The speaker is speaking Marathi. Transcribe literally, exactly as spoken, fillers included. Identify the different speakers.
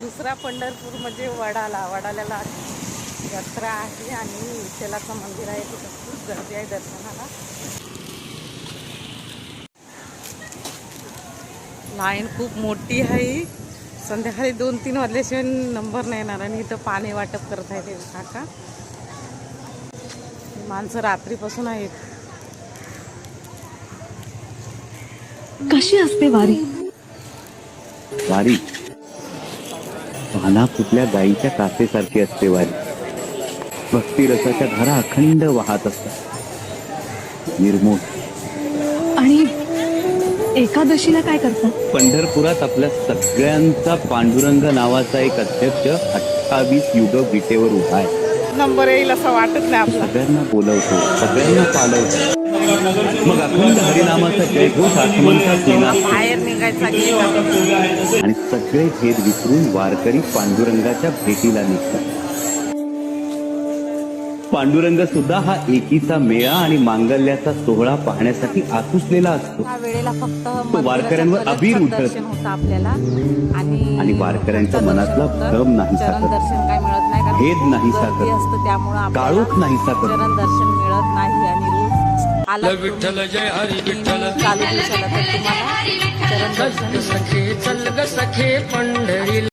Speaker 1: दुसरा पंढरपूर म्हणजे वडाला वडाल्याला यात्रा आहे आणि विठ्ठलाचं मंदिर आहे, तिथं खूप गर्दी आहे दर्शनाला. लाईन खूप मोठी आहे. संध्याकाळी दोन तीन वाजल्याशिवाय नंबर नाही येणार. आणि इथं पाणी वाटप करत आहे ते काका. माणसं रात्रीपासून आहेत.
Speaker 2: कशी असते वारी?
Speaker 3: वारी पाना फुटल्या गाईच्या कासेसारखी असते वारी. भक्ती रसाच्या धारा अखंड वाहत असतात, निर्मोह.
Speaker 2: आणि एकादशीला काय करतात?
Speaker 3: पंढरपुरात आपल्या सगळ्यांचा पांडुरंग नावाचा एक अध्यक्ष अठ्ठावीस युग विटेवर उभा आहे.
Speaker 1: नंबर येईल असं वाटत नाही आपला.
Speaker 3: सगळ्यांना बोलवतो, सगळ्यांना पालवतो. मग अखंड हरिनामाचा जयघोष आसमंतात येणार
Speaker 1: बाहेर निघायचा
Speaker 3: आणि सगळे भेद विसरून वारकरी पांडुरंगाच्या भेटीला निघतात. पांडुरंग सुद्धा हा एकीचा मेळा आणि मांगल्याचा सोहळा पाहण्यासाठी आतुसलेला असतो.
Speaker 1: या वेळेला फक्त
Speaker 3: तो वारकऱ्यांवर अबीर उठत
Speaker 1: होतं आपल्याला. आणि
Speaker 3: आणि वारकऱ्यांच्या मनातला भ्रम नाही
Speaker 1: चरण
Speaker 3: साकत,
Speaker 1: दर्शन काय मिळत नाही, कारण
Speaker 3: भेद नाही
Speaker 1: गर्दी
Speaker 3: साकत,
Speaker 1: असतं, त्यामुळं
Speaker 3: काळोख नाही साकत.
Speaker 1: चरण दर्शन मिळत नाही. आणि रोज आला
Speaker 4: विठ्ठल जय हरी विठ्ठल
Speaker 1: चालू दिवसाला तर तुम्हाला चरण दर्शन
Speaker 4: सखे चल ग सखे पंढरी